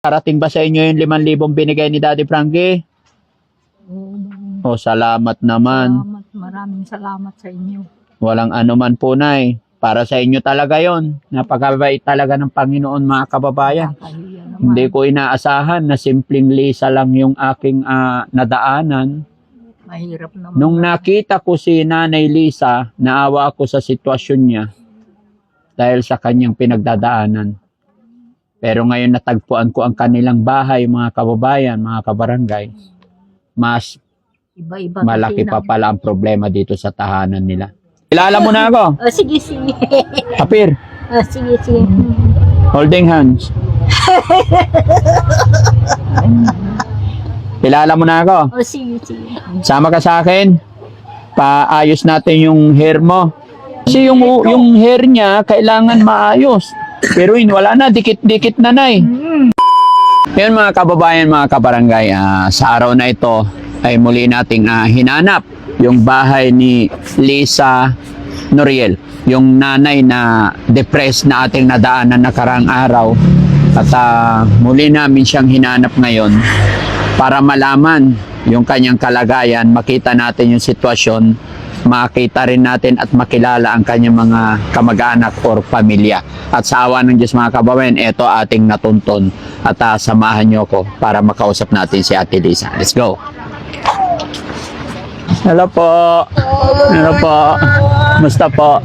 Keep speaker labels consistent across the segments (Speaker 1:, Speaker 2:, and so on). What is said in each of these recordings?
Speaker 1: Parating ba sa inyo yung 5,000 binigay ni Daddy Frankie?
Speaker 2: Oo,
Speaker 1: O, salamat naman.
Speaker 2: salamat. Maraming salamat sa inyo.
Speaker 1: Walang anuman po, Nay. Para sa inyo talaga yon. Napakabait talaga ng Panginoon, mga kababayan.
Speaker 2: Kakahiya naman.
Speaker 1: Hindi ko inaasahan na simpleng Lisa lang yung aking nadaanan.
Speaker 2: Mahirap naman.
Speaker 1: Nung nakita ko si Nanay Lisa, naawa ako sa sitwasyon niya dahil sa kanyang pinagdadaanan. Pero ngayon natagpuan ko ang kanilang bahay, mga kababayan, mga kabarangay. Mas
Speaker 2: Iba-iba
Speaker 1: malaki
Speaker 2: kasi
Speaker 1: pa
Speaker 2: na-
Speaker 1: pala ang problema dito sa tahanan nila. Kilala mo na ako,
Speaker 2: Oh, sige, sige.
Speaker 1: Kapir,
Speaker 2: Oh, sige, sige.
Speaker 1: holding hands. Kilala mo na ako.
Speaker 2: Oh, sige, sige.
Speaker 1: Sama ka sa akin. Paayos natin yung hair mo. Kasi yung hair niya kailangan maayos. Pero yun, wala na, dikit-dikit na, Nay. Ngayon, mga kababayan, mga kabarangay, sa araw na ito ay muli nating hinanap yung bahay ni Lisa Noriel, yung nanay na depressed na ating nadaanan nakarang araw. At muli namin siyang hinanap ngayon para malaman yung kanyang kalagayan, makita natin yung sitwasyon, makita rin natin at makilala ang kanyang mga kamag-anak or pamilya. At sa awa ng Diyos, mga kababayan, ito ating natunton at samahan niyo ko para makausap natin si Ate Lisa. Let's go! Hello po! Hello po! Musta po?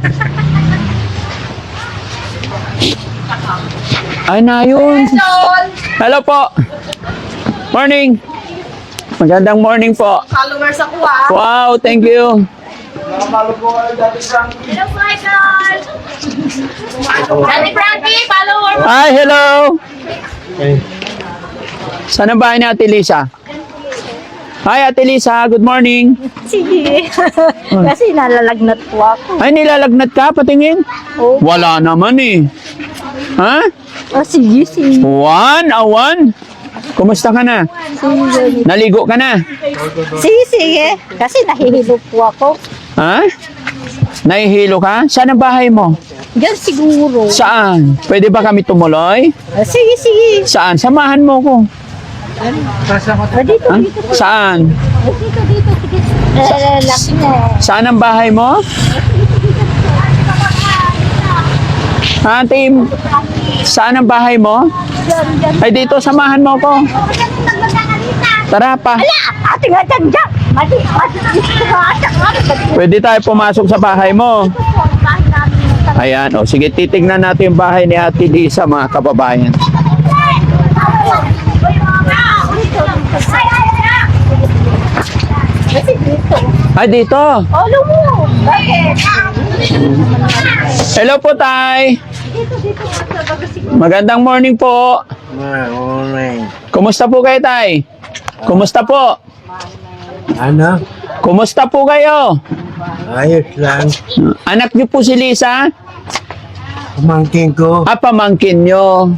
Speaker 1: Ay na yun! Hello po! Morning! Magandang morning po!
Speaker 3: Followers ako
Speaker 1: Wow, thank you!
Speaker 3: Hello, Michael! Daddy Frankie, follower mo!
Speaker 1: Hi, hello! Saan ang bahay ni Ate Lisa? Hi, Ate Lisa. Good morning.
Speaker 2: Sige. Kasi nalalagnat po ako.
Speaker 1: Ay, nilalagnat ka? Patingin?
Speaker 2: Oh,
Speaker 1: Wala naman eh. Ha?
Speaker 2: oh sige, sige.
Speaker 1: Awan? Kumusta ka na?
Speaker 2: Sige,
Speaker 1: Naligo ka na?
Speaker 2: sige, sige. Kasi nahihilo po ako.
Speaker 1: Ha? Nahihilo ka? Saan ang bahay mo?
Speaker 2: Diyan siguro.
Speaker 1: Saan? Pwede ba kami tumuloy?
Speaker 2: Sige, sige.
Speaker 1: Saan? Samahan mo ko.
Speaker 2: Oh, dito,
Speaker 1: Ha?
Speaker 2: dito.
Speaker 1: Saan?
Speaker 2: Oh, dito, dito. Sige. Laki mo.
Speaker 1: Saan ang bahay mo? Ha, Tim? Saan ang bahay mo?
Speaker 2: Diyan, diyan.
Speaker 1: Ay, dito, samahan mo ko. Tara pa.
Speaker 2: Ate nga dyan, dyan. Mati.
Speaker 1: Pwede tayo pumasok sa bahay mo. Ayan, o. Sige, titignan natin yung bahay ni Ate Lisa, mga kababayan.
Speaker 2: Kasi dito.
Speaker 1: Ay, dito.
Speaker 2: Olo mo. Bakit?
Speaker 1: Hello po, Tay.
Speaker 2: Dito, dito.
Speaker 1: Magandang morning po. Kumusta po kayo, Tay? Kumusta po?
Speaker 4: Ano?
Speaker 1: Kumusta po kayo?
Speaker 4: Ayos lang.
Speaker 1: Anak niyo po si Lisa?
Speaker 4: Pamangkin ko.
Speaker 1: Pamangkin niyo.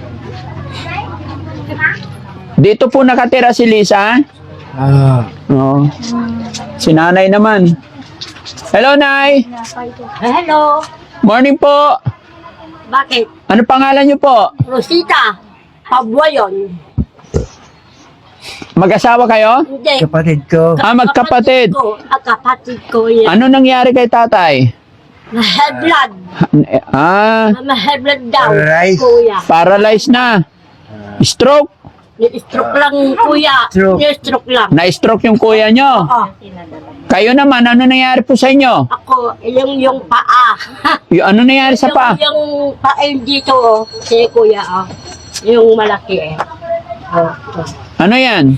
Speaker 1: Dito po nakatira si Lisa?
Speaker 4: Ah,
Speaker 1: Oo. Si nanay naman. Hello, Nay.
Speaker 2: Hello.
Speaker 1: Morning po.
Speaker 2: Bakit?
Speaker 1: Ano pangalan niyo po?
Speaker 2: Rosita. Pabwa yun.
Speaker 1: Mag-asawa kayo?
Speaker 2: Hindi.
Speaker 4: kapatid ko.
Speaker 1: Magkapatid.
Speaker 2: Kapatid ko yan.
Speaker 1: Ano nangyari kay tatay?
Speaker 2: High blood. High blood daw.
Speaker 4: Alright.
Speaker 2: Kuya.
Speaker 1: Paralyzed na. Stroke.
Speaker 2: Ni-stroke lang kuya.
Speaker 4: Stroke.
Speaker 2: Ni-stroke lang.
Speaker 1: Na-stroke yung kuya nyo.
Speaker 2: Oo.
Speaker 1: Kayo naman, ano nangyari po sa inyo?
Speaker 2: Ako, yung paa.
Speaker 1: Ano nangyari sa pa?
Speaker 2: Yung paa yung dito, oh. Si kuya, oh. Yung malaki, eh. Oh.
Speaker 1: Ano yan?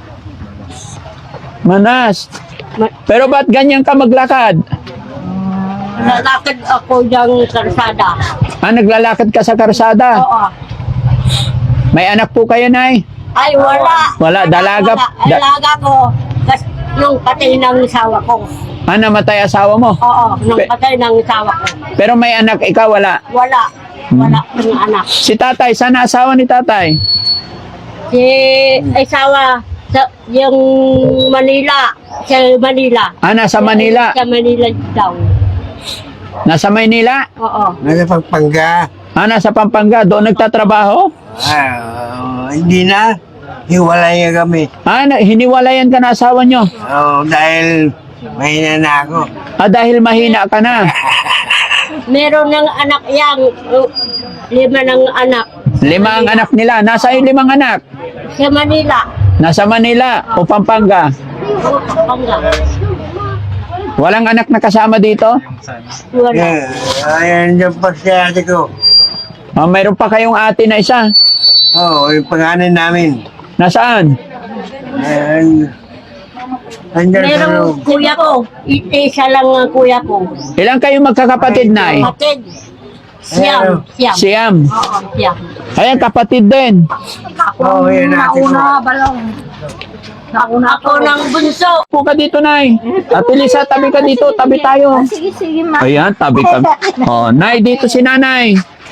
Speaker 1: Manas. Pero ba't ganyan ka maglakad?
Speaker 2: Lalakad ako ng karsada.
Speaker 1: Naglalakad ka sa karsada?
Speaker 2: Oo.
Speaker 1: May anak po kayo, Nay?
Speaker 2: Ay, wala.
Speaker 1: Wala, dalaga.
Speaker 2: Dalaga ko. Kasi nung patay ng asawa ko.
Speaker 1: Namatay asawa mo?
Speaker 2: Oo, nung
Speaker 1: Pe-
Speaker 2: patay ng asawa ko.
Speaker 1: Pero may anak, ikaw wala.
Speaker 2: Wala. Wala ng anak.
Speaker 1: Si tatay, sana asawa ni tatay?
Speaker 2: Si asawa sa yung Manila. Sa Manila.
Speaker 1: Nasa Manila.
Speaker 2: Sa Manila daw.
Speaker 1: Nasa Maynila?
Speaker 2: Oo.
Speaker 4: Nasa Pampanga.
Speaker 1: Nasa Pampanga. Doon nagtatrabaho?
Speaker 4: Ah, Hindi na. Hiwalay na kami.
Speaker 1: Hiniwalayan ka na asawa nyo?
Speaker 4: Dahil mahina na ako.
Speaker 1: Dahil mahina ka na.
Speaker 2: Meron ng anak yan. 5 ng anak.
Speaker 1: 5 ang anak nila. Nasa yung 5 anak?
Speaker 2: Sa Manila.
Speaker 1: Nasa Manila o Pampanga?
Speaker 2: Oo, Pampanga.
Speaker 1: Walang anak na kasama dito?
Speaker 2: Wala.
Speaker 4: Ayan yung pasyate ko.
Speaker 1: Mayroon pa kayong ate na isa?
Speaker 4: Yung pangalan namin.
Speaker 1: Nasaan?
Speaker 4: Ayan. Andyan sa
Speaker 2: Merong
Speaker 4: loob.
Speaker 2: kuya ko. Isa lang ang kuya ko.
Speaker 1: Ilang kayong magkakapatid na
Speaker 2: Kapatid. Siyam. Siyam.
Speaker 1: Siyam.
Speaker 2: Oo, siyam.
Speaker 1: Ayan, kapatid din.
Speaker 4: Yan natin ko.
Speaker 2: balong. Ako ng bunso.
Speaker 1: Po ka dito, Nay. Ate Lisa, tabi ka dito. Tabi tayo.
Speaker 3: Sige, ma.
Speaker 1: Ayan, tabi ka. Nay, dito si Nanay.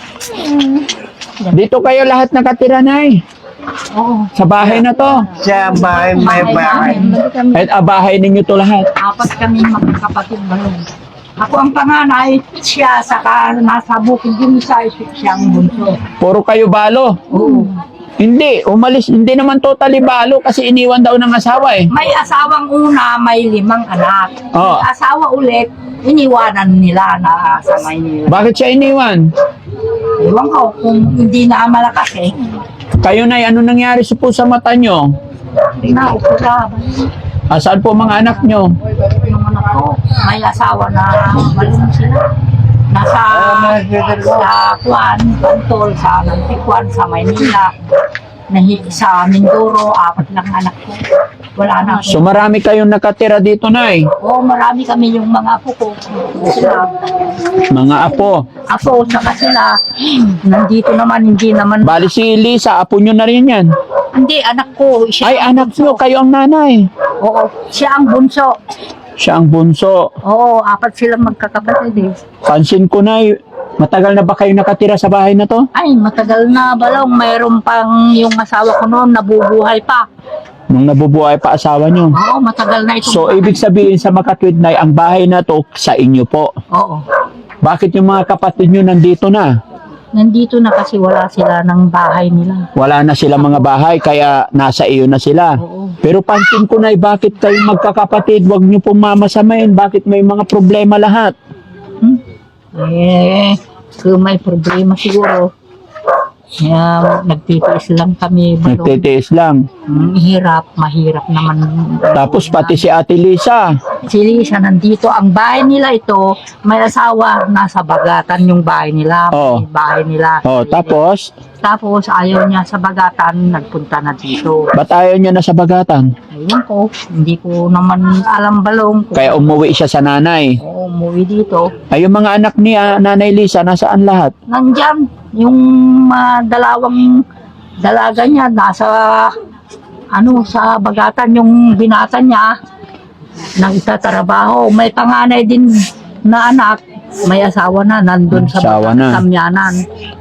Speaker 1: Dito kayo lahat nakatira, Nay. Sa bahay na to.
Speaker 4: Sa bahay, may bahay.
Speaker 1: At bahay ninyo to lahat.
Speaker 3: 4 kami magkakapatid balong. Ako ang panganay, siya, saka nasa bukid yung isa, siyang bunso.
Speaker 1: Puro kayo balo.
Speaker 3: Oo.
Speaker 1: Hindi, umalis. Hindi naman totally balo kasi iniwan daw ng asawa eh.
Speaker 3: May asawang una, may 5 anak.
Speaker 1: Oo.
Speaker 3: May asawa ulit, iniwanan nila na sa Maynila.
Speaker 1: Bakit siya iniwan?
Speaker 3: Ewan ko, kung hindi na malakas eh.
Speaker 1: Kayo, Nay, ano nangyari sa mata nyo?
Speaker 3: Naupo na.
Speaker 1: Saan po mga anak nyo?
Speaker 3: Yung anak ko, may asawa na malung sila. Nasa Kwan, Bantol, sa Nantikwan, sa Maynila. Sa Mindoro, 4 lang anak ko. Wala na ako.
Speaker 1: So marami kayong nakatira dito, Nay.
Speaker 3: Oo, marami kami yung mga apo ko. Sila.
Speaker 1: Mga apo.
Speaker 3: Apo, saka sila. Nandito naman, hindi naman.
Speaker 1: Bali si Lisa, apo nyo na rin yan.
Speaker 3: Hindi, anak ko. Siya
Speaker 1: Ay,
Speaker 3: ang
Speaker 1: anak
Speaker 3: bunso.
Speaker 1: nyo, kayo ang nanay.
Speaker 3: Oo, siya ang bunso.
Speaker 1: Siya ang bunso.
Speaker 3: Oo, 4 sila magkakapatid eh.
Speaker 1: Pansin ko, Nay, matagal na ba kayo nakatira sa bahay na to?
Speaker 3: Ay, matagal na balong. Mayroon pang yung asawa ko noon, nabubuhay pa.
Speaker 1: Nung nabubuhay pa asawa nyo.
Speaker 3: Oo, matagal na ito.
Speaker 1: So, ibig sabihin sa Makatwid, Nay, ang bahay na to sa inyo po.
Speaker 3: Oo.
Speaker 1: Bakit yung mga kapatid nyo nandito na?
Speaker 3: Nandito na kasi wala sila ng bahay nila.
Speaker 1: Wala na sila mga bahay, kaya nasa iyo na sila.
Speaker 3: Oo.
Speaker 1: Pero pansin ko, Nay, bakit kayo magkakapatid? Huwag nyo pong mamasamain. Bakit may mga problema lahat?
Speaker 3: Kung may problema siguro. Kaya nagtitiis lang kami. Balong.
Speaker 1: Nagtitiis lang.
Speaker 3: Mahirap naman.
Speaker 1: Tapos pati si Ate Lisa.
Speaker 3: Si Lisa nandito. Ang bahay nila ito, may asawa, nasa Bagatan yung bahay nila.
Speaker 1: Oo.
Speaker 3: May bahay nila.
Speaker 1: Tapos,
Speaker 3: Tapos ayaw niya sa Bagatan, nagpunta na dito.
Speaker 1: ba't ayaw niya na sa Bagatan?
Speaker 3: Ayun ko, hindi ko naman alam balong. Kung
Speaker 1: Kaya umuwi siya sa nanay.
Speaker 3: umuwi dito.
Speaker 1: Ay, yung mga anak ni Nanay Lisa, nasaan lahat?
Speaker 3: Nandyan, yung dalawang dalaga niya, nasa sa Bagatan yung binata niya, nagtatrabaho. May panganay din na anak, may asawa na, nandun sa
Speaker 1: Asawa na.
Speaker 3: Samyanan.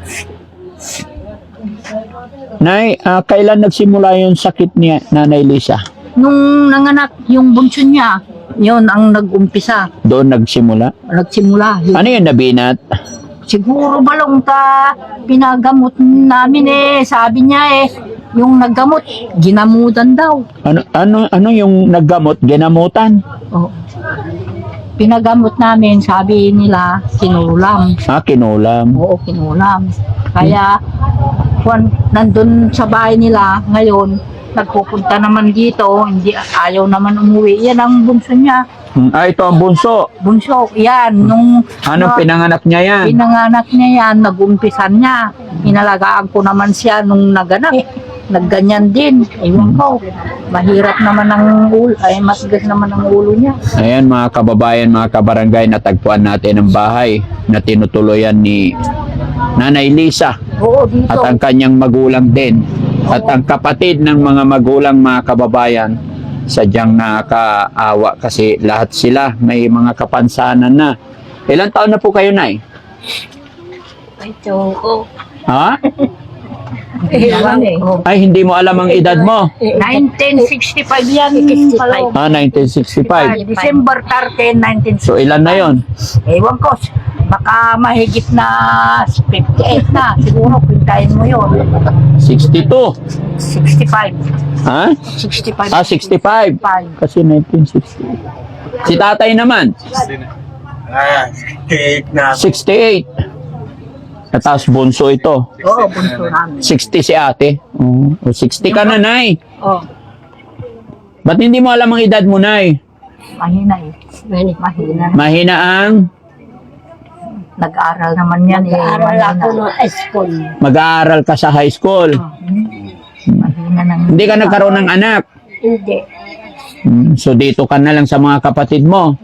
Speaker 1: Nay, kailan nagsimula yung sakit ni Nanay Lisa?
Speaker 3: Nung nanganak yung bunso niya, yun ang nag-umpisa.
Speaker 1: Doon nagsimula?
Speaker 3: Nagsimula.
Speaker 1: Ano yun, nabinat?
Speaker 3: Siguro balong pinagamot namin sabi niya yung naggamot, ginamutan daw.
Speaker 1: Ano yung naggamot? Ginamutan?
Speaker 3: Oh. Pinagamot namin, sabi nila, kinulam.
Speaker 1: Kinulam.
Speaker 3: Oo, kinulam. Kaya, nandun sa bahay nila, ngayon, nagpupunta naman dito, ayaw naman umuwi. Yan ang bunso niya.
Speaker 1: Ito ang bunso.
Speaker 3: Bunso, yan. Nung
Speaker 1: Pinanganak niya yan?
Speaker 3: pinanganak niya yan, nag-umpisan niya. Inalagaan ko naman siya nung naganak. Nagganyan din. Ewan ko. Mahirap naman ang ulo. Matigas naman ang ulo niya.
Speaker 1: Ayan mga kababayan, mga kabarangay, natagpuan natin ang bahay na tinutuloyan ni Nanay Lisa
Speaker 3: Oo, dito.
Speaker 1: at ang kanyang magulang din. At ang kapatid ng mga magulang, mga kababayan, sadyang nakakaawa kasi lahat sila may mga kapansanan na. Ilang taon na po kayo, Nay?
Speaker 2: Ito ko.
Speaker 1: Ha? Ay, hindi mo alam ang edad mo.
Speaker 3: 1965 yan.
Speaker 2: 65.
Speaker 1: 1965.
Speaker 3: December 13, 1965.
Speaker 1: So, ilan na yon?
Speaker 3: Ewan ko, baka mahigit na 58 na. Siguro, pintayin mo yun.
Speaker 1: 62.
Speaker 3: 65.
Speaker 1: Ha?
Speaker 3: 65.
Speaker 1: 65. Kasi 1960. Si tatay naman,
Speaker 4: 68 na.
Speaker 1: 68. Tapos bunso ito.
Speaker 3: Oo, bunso namin.
Speaker 1: 60 si ate. Oh, 60 ka na, Nay.
Speaker 3: Oo,
Speaker 1: Ba't hindi mo alam ang edad mo, Nay?
Speaker 3: mahina eh. Mahina.
Speaker 1: Mahina ang
Speaker 3: Nag-aaral naman yan eh.
Speaker 2: Nag-aaral ako ng school.
Speaker 1: mag-aaral ka sa high school.
Speaker 3: Mahina ng...
Speaker 1: Hindi ka nagkaroon ng anak.
Speaker 2: Hindi.
Speaker 1: So dito ka na lang sa mga kapatid mo.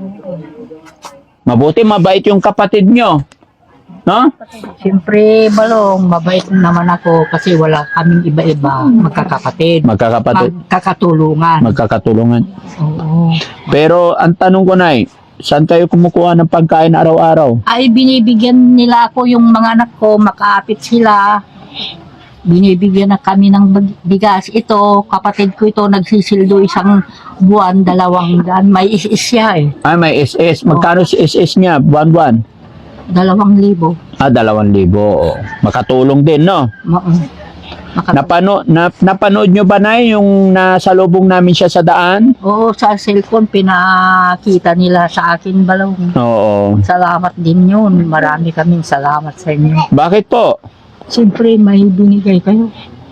Speaker 1: Mabuti mabait yung kapatid nyo. No?
Speaker 3: Siyempre, Balong, mabait naman ako kasi wala kaming iba-iba. Magkakapatid.
Speaker 1: Magkakapatid.
Speaker 3: Magkakatulungan.
Speaker 1: Magkakatulungan.
Speaker 3: Oo.
Speaker 1: Pero ang tanong ko, Nay, saan kayo kumukuha ng pagkain araw-araw?
Speaker 3: Ay, binibigyan nila ako yung mga anak ko, makaapit sila. Binibigyan na kami ng bigas. Ito, kapatid ko ito, nagsisildo isang buwan, 200. May is siya eh.
Speaker 1: Ay, may SS. Magkano si SS niya? Buwan-buwan?
Speaker 3: 2,000.
Speaker 1: 2,000. Oo. Makatulong din, no? Napanood nyo ba, Nay, yung nasalubong namin siya sa daan?
Speaker 3: Oo, sa cellphone, pinakita nila sa akin, Balong.
Speaker 1: Oo.
Speaker 3: Salamat din yun. Marami kaming salamat sa inyo.
Speaker 1: Bakit po?
Speaker 3: Siyempre, may binigay kayo.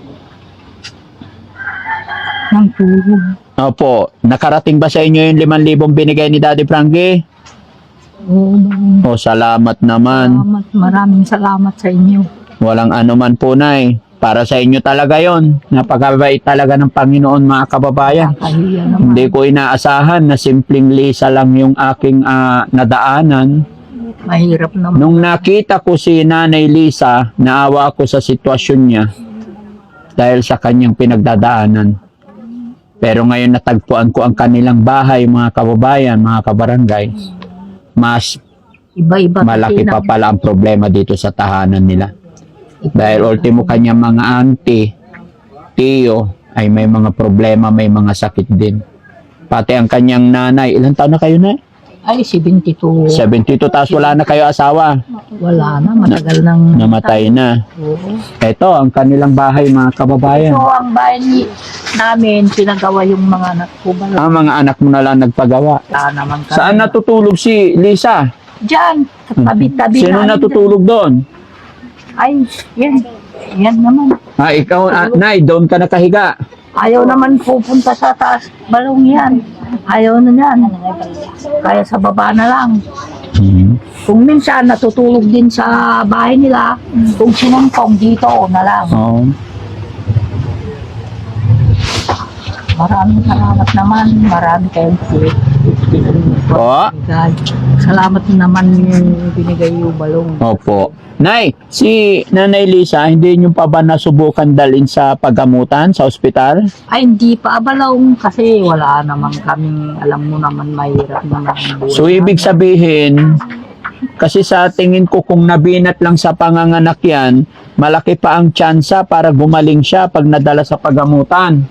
Speaker 3: Ng tulong.
Speaker 1: Opo. Nakarating ba sa inyo yung 5,000 binigay ni Daddy Frankie?
Speaker 3: Oo, Balong.
Speaker 1: O, salamat naman.
Speaker 3: Salamat. Maraming salamat sa inyo.
Speaker 1: Walang anuman po, Nay. Para sa inyo talaga yon. Napakabait talaga ng Panginoon, mga kababayan.
Speaker 3: Kahiya naman.
Speaker 1: Hindi ko inaasahan na simpleng Lisa lang yung aking nadaanan.
Speaker 3: Mahirap naman.
Speaker 1: Nung nakita ko si Nanay Lisa, naawa ako sa sitwasyon niya dahil sa kanyang pinagdadaanan. Pero ngayon natagpuan ko ang kanilang bahay, mga kababayan, mga kabarangay. Mas
Speaker 3: Iba-iba.
Speaker 1: malaki
Speaker 3: kasi
Speaker 1: pa pala ang problema dito sa tahanan nila. Dahil ultimo kanyang mga auntie, tiyo, ay may mga problema, may mga sakit din. Pati ang kanyang nanay, ilang taon na kayo na?
Speaker 3: Ay, 72.
Speaker 1: 72, tapos wala na kayo asawa.
Speaker 3: Wala na, matagal nang...
Speaker 1: Namatay na.
Speaker 3: Oo.
Speaker 1: Ito, ang kanilang bahay, mga kababayan.
Speaker 3: So, ang bahay namin, pinagawa yung mga anak ko.
Speaker 1: Ang mga anak mo na lang nagpagawa.
Speaker 3: Naman kami.
Speaker 1: Saan natutulog si Lisa?
Speaker 3: Diyan, tabi-tabi
Speaker 1: Sino
Speaker 3: namin.
Speaker 1: natutulog doon?
Speaker 3: Ay, yan. Yan naman.
Speaker 1: Ikaw, Nay, doon ka nakahiga.
Speaker 3: Ayaw naman pupunta sa taas. Balong yan. Ayaw na yan. Kaya sa baba na lang. Kung minsan natutulog din sa bahay nila, kung sinumpong dito na lang.
Speaker 1: Oo.
Speaker 3: Maraming salamat naman. Marami kayong
Speaker 1: Po.
Speaker 3: Salamat naman yung binigay yung balong.
Speaker 1: Opo. Nay, si Nanay Lisa, hindi nyo pa ba nasubukan dalhin sa paggamutan sa ospital?
Speaker 3: Ay, hindi pa balong kasi wala naman kaming, alam mo naman, mahirap naman ang buhay.
Speaker 1: So, ibig sabihin, kasi sa tingin ko kung nabinat lang sa panganganak yan, malaki pa ang tsansa para gumaling siya pag nadala sa paggamutan.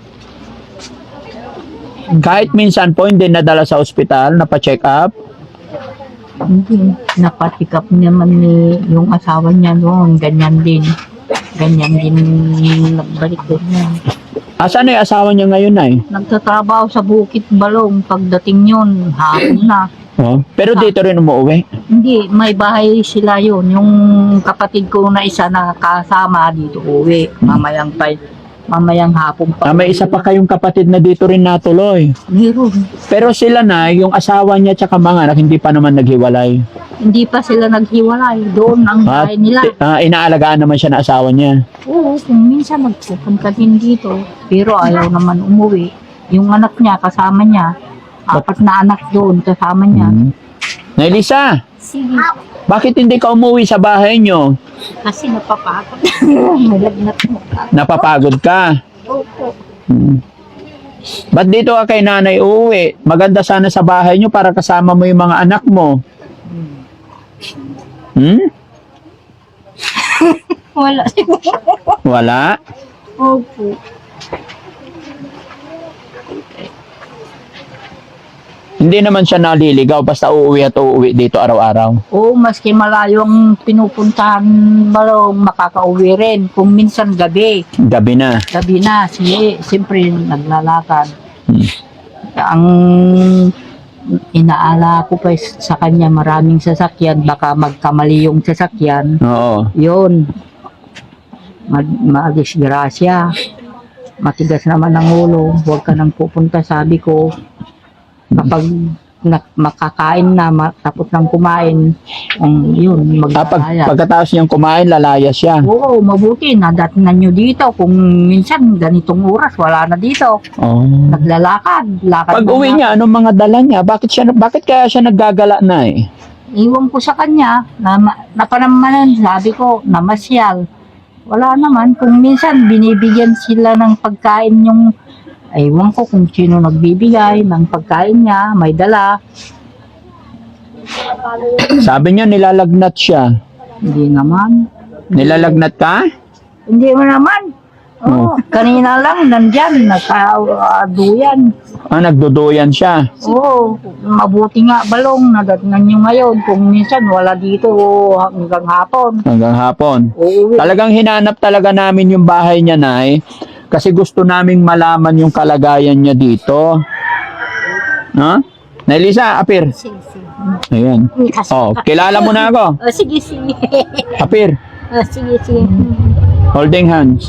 Speaker 1: Kahit minsan po hindi nadala sa ospital, napacheck up.
Speaker 3: Hindi, napatikap naman ni yung asawa niya noon, ganyan din. Ganyan din nagbalik din yan.
Speaker 1: Asan na yung asawa niya ngayon, Nay?
Speaker 3: Nagtatrabaho sa Bukit Balong, pagdating yun, hapon na.
Speaker 1: Oh. Pero dito rin umuwi.
Speaker 3: Hindi, may bahay sila yun. Yung kapatid ko na isa na kasama dito uwi. Mamayang hapon pa.
Speaker 1: May isa pa kayong kapatid na dito rin natuloy.
Speaker 3: Meron.
Speaker 1: Pero sila na, yung asawa niya tsaka mga anak, hindi pa naman naghiwalay.
Speaker 3: Hindi pa sila naghiwalay. Doon ang bahay nila.
Speaker 1: Inaalagaan naman siya ng asawa niya.
Speaker 3: Oo, kung minsan magpupunta din dito. Pero ayaw naman umuwi. Yung anak niya, kasama niya. 4 na anak doon, kasama niya.
Speaker 1: Nay Lisa,
Speaker 2: Sige.
Speaker 1: bakit hindi ka umuwi sa bahay niyo?
Speaker 2: Kasi napapagod.
Speaker 3: Malagnat mo.
Speaker 1: Napapagod ka.
Speaker 2: Opo.
Speaker 1: Ba't dito ka kay nanay uuwi? Maganda sana sa bahay niyo para kasama mo yung mga anak mo.
Speaker 2: Wala.
Speaker 1: Wala?
Speaker 2: Opo.
Speaker 1: Hindi naman siya naliligaw basta uuwi at uuwi dito araw-araw.
Speaker 3: Oo, maski malayo ang pinupuntahan, balong makakauwi rin. Kung minsan gabi,
Speaker 1: Gabi na.
Speaker 3: siyempre naglalakad.
Speaker 1: Hmm.
Speaker 3: Ang inaala ko pa sa kanya, maraming sasakyan, baka magkamali yung sasakyan.
Speaker 1: Oo.
Speaker 3: Yun, madisgrasya. Matigas naman ang ulo, huwag ka nang pupunta, sabi ko. Kapag makakain na, tapos nang kumain, yun, maglalaya.
Speaker 1: Pagkatapos niyang kumain, lalaya siya.
Speaker 3: Oo, mabuti, nadatnan nyo dito. Kung minsan, ganitong oras, wala na dito.
Speaker 1: Oh.
Speaker 3: Naglalakad.
Speaker 1: Pag uwi niya, anong mga dala niya? Bakit kaya siya naggagala na eh?
Speaker 3: Iwan ko sa kanya, napanamanan, sabi ko, namasyal. Wala naman, kung minsan, binibigyan sila ng pagkain yung, ewan ko kung sino nagbibigay ng pagkain niya, may dala.
Speaker 1: Sabi niya, nilalagnat siya.
Speaker 3: Hindi naman.
Speaker 1: Nilalagnat ka?
Speaker 3: Hindi mo naman. Oh, kanina lang, nandyan, nagkaduyan.
Speaker 1: Nagduduyan siya.
Speaker 3: Oo, mabuti nga balong, nadatnan nyo ngayon. Kung minsan wala dito hanggang hapon.
Speaker 1: Hanggang hapon.
Speaker 3: Oo,
Speaker 1: Talagang hinanap talaga namin yung bahay niya, Nay. Kasi gusto naming malaman yung kalagayan niya dito. Ha? Nay Lisa, apir.
Speaker 2: Sige, sige.
Speaker 1: Ayan. Oh, kilala mo na ako.
Speaker 2: Oh, sige, sige.
Speaker 1: Apir.
Speaker 2: Oh, sige, sige.
Speaker 1: Holding hands.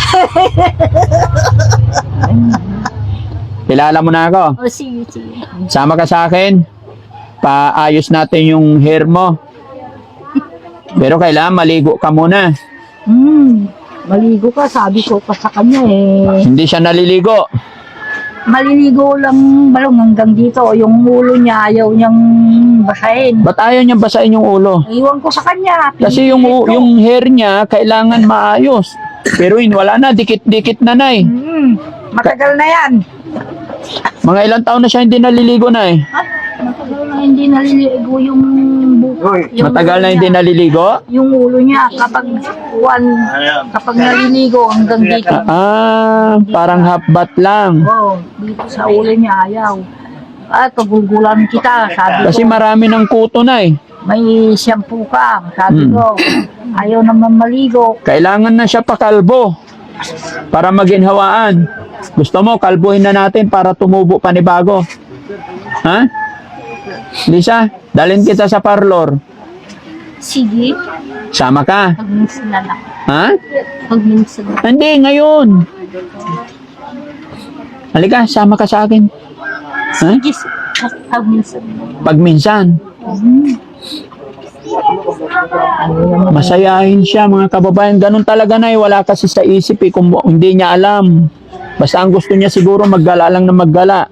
Speaker 1: Kilala mo na ako.
Speaker 2: Oh, sige, sige.
Speaker 1: Sama ka sa akin. Paayos natin yung hair mo. Pero kailangan maligo ka muna.
Speaker 3: Maligo ka, sabi ko pa sa kanya eh.
Speaker 1: Hindi siya naliligo.
Speaker 3: Maliligo lang balong hanggang dito. Yung ulo niya, ayaw niyang basahin.
Speaker 1: Ba't ayaw niya basahin yung ulo?
Speaker 3: Iwan ko sa kanya.
Speaker 1: Kasi yung hair niya kailangan maayos. Pero yun, wala na, dikit-dikit na, Nay.
Speaker 3: Matagal na yan.
Speaker 1: Mga ilang taon na siya hindi naliligo, Nay.
Speaker 3: Matagal na hindi naliligo yung buko.
Speaker 1: Matagal na hindi naliligo?
Speaker 3: Yung ulo niya kapag naliligo hanggang dito.
Speaker 1: Parang half bath lang.
Speaker 3: Dito sa ulo niya ayaw. Pagugulan kita, sabi
Speaker 1: Kasi
Speaker 3: ko.
Speaker 1: marami ng kuto, Nay.
Speaker 3: May shampoo ka, sabi ko. Ayaw naman maligo.
Speaker 1: Kailangan na siya pakalbo para maginhawaan. Gusto mo, kalbuhin na natin para tumubo panibago. Ha? Lisa, dalhin kita sa parlor.
Speaker 2: Sige.
Speaker 1: Sama ka.
Speaker 2: Pag minsan na lang.
Speaker 1: Ha?
Speaker 2: Pag minsan.
Speaker 1: Hindi, ngayon. Halika, sama ka sa akin. Ha?
Speaker 2: Sige, pag minsan.
Speaker 1: Pag minsan. Masayahin siya, mga kababayan. Ganun talaga, Nay. Wala kasi sa isip eh, kung hindi niya alam. Basta ang gusto niya siguro maggala lang na maggala.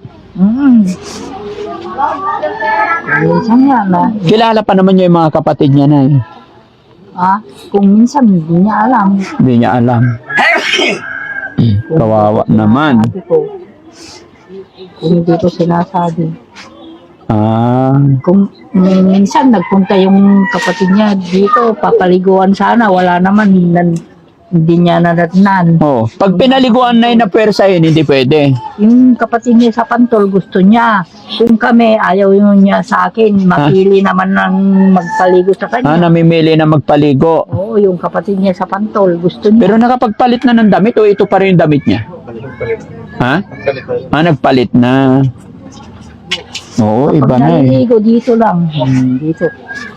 Speaker 3: Minsan nga na.
Speaker 1: Kilala pa naman niya yung mga kapatid niya, Nay.
Speaker 3: Kung minsan hindi niya alam.
Speaker 1: Hindi niya alam. Kawawa naman.
Speaker 3: Sabi ko, kung hindi ko sinasabi. Kung minsan nagpunta yung kapatid niya dito, papaliguan sana, wala naman, hindi niya nadatnan.
Speaker 1: Oh, pag pinaliguan na yun na pwersahin, hindi pwede.
Speaker 3: Yung kapatid niya sa Pantol, gusto niya. Kung kami, ayaw yun niya sa akin, mapili naman ng magpaligo sa kanya.
Speaker 1: Namimili na magpaligo.
Speaker 3: Oo, yung kapatid niya sa Pantol, gusto niya.
Speaker 1: Pero nakapagpalit na ng damit o ito pa rin yung damit niya? Ha? Nagpalit na. Oo, iba na eh.
Speaker 3: Naliligo dito lang. Dito.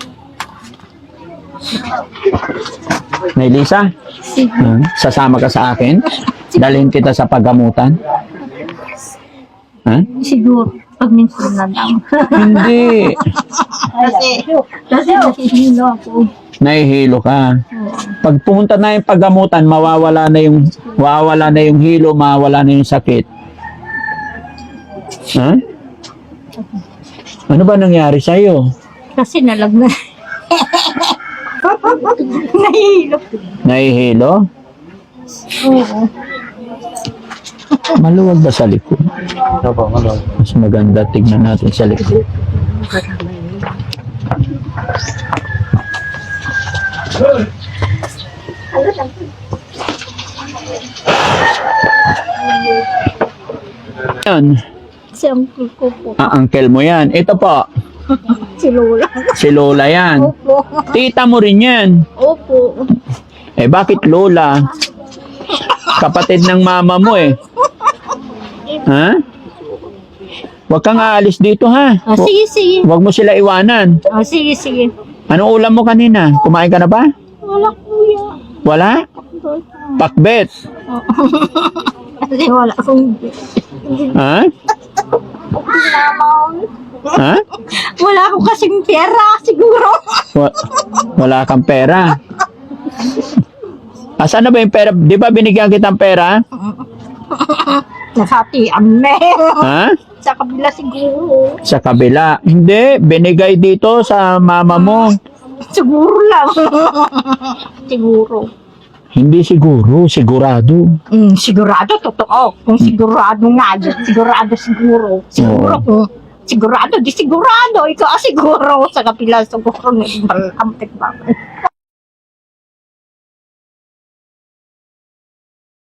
Speaker 1: Nay Lisa, sasama ka sa akin? Dalhin kita sa paggamutan? Ha?
Speaker 2: Siguro, pag minsan na lang.
Speaker 1: Hindi.
Speaker 2: Kasi nahihilo ako.
Speaker 1: Nahihilo ka. Pag pumunta na yung paggamutan, mawawala na yung hilo, mawawala na yung sakit. Ha? Ano ba nangyari sa'yo?
Speaker 2: Kasi nalagnan. Nahihilo.
Speaker 1: Nahihilo?
Speaker 2: Oo.
Speaker 1: Maluwag ba sa likod? Mas maganda tignan natin sa likod. Yan.
Speaker 3: Si uncle ko po.
Speaker 1: Uncle mo yan. Ito po,
Speaker 3: Si Lola.
Speaker 1: si Lola yan.
Speaker 3: Opo.
Speaker 1: Tita mo rin yan.
Speaker 3: Opo.
Speaker 1: Eh bakit Lola? Kapatid ng mama mo eh. Ha? Huwag kang aalis dito ha.
Speaker 3: Sige, sige.
Speaker 1: Huwag mo sila iwanan.
Speaker 3: Sige, sige.
Speaker 1: Anong ulam mo kanina? Kumain ka na ba?
Speaker 3: Wala kuya.
Speaker 1: Wala? Pakbet.
Speaker 3: Kasi wala akong...
Speaker 1: Ha? Ha?
Speaker 3: Wala akong kasing pera, siguro.
Speaker 1: Wala kang pera. Asan na ba yung pera? Di ba binigyan kitang pera?
Speaker 3: Nasatian na.
Speaker 1: Ha?
Speaker 3: Sa kabila siguro.
Speaker 1: Sa kabila. Hindi, binigay dito sa mama mo.
Speaker 3: Siguro lang. Siguro.
Speaker 1: Hindi siguro, sigurado.
Speaker 3: Sigurado, totoo. Kung sigurado nga yun, sigurado siguro. Siguro
Speaker 1: Oo.
Speaker 3: kung sigurado, di sigurado. Ikaw siguro. Sa kapila siguro, malampit ba?